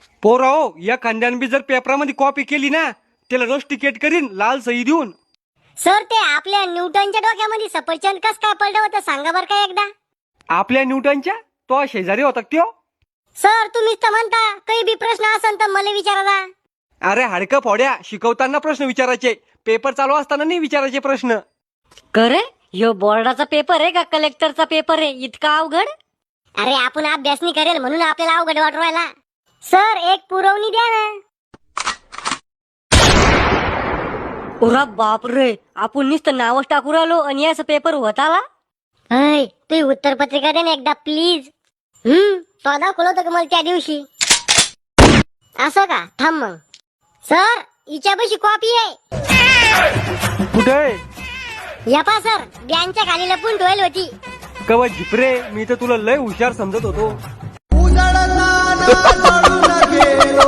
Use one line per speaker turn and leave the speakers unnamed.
पोरा हो, या खांद्यान बी जर पेपरामध्ये कॉपी केली ना त्याला रोस्टिकेट करीन लाल सही देऊन.
सर ते आपल्या न्यूटनच्या डोक्यामध्ये सफरचंद कस काय पडलं होतं सांगा बरं का एकदा.
आपल्या न्यूटनच्या तो शेजारी होता त्यो.
सर तुम्हीच तर म्हणता काही बी प्रश्न असेल तर मला विचारा.
अरे हाडकं फोड्या, शिकवताना प्रश्न विचारायचे, पेपर चालू असताना नाही विचारायचे प्रश्न.
करे ह्यो बोर्डाचा पेपर आहे का कलेक्टरचा पेपर आहे इतका अवघड?
अरे आपण अभ्यास नाही करेल म्हणून आपल्याला अवघड वाटू राहिला. सर एक पुरवणी द्या ना.
उरा बाप रे, आपण नुसतं नावच टाकू राहिलो आणि याचा पेपर होत आला.
अय तू उत्तर पत्रिका दे ना एकदा प्लीज. तो दाखवलं होतं का मला त्या दिवशी. असं का, थांब मग. सर हिच्यापाशी कॉपी आहे.
कुठे?
या पा सर, बँकच्या खाली लपून ठेवली होती.
कवा झिपरे, मी तर तुला लय हुशार समजत होतो.
उजळला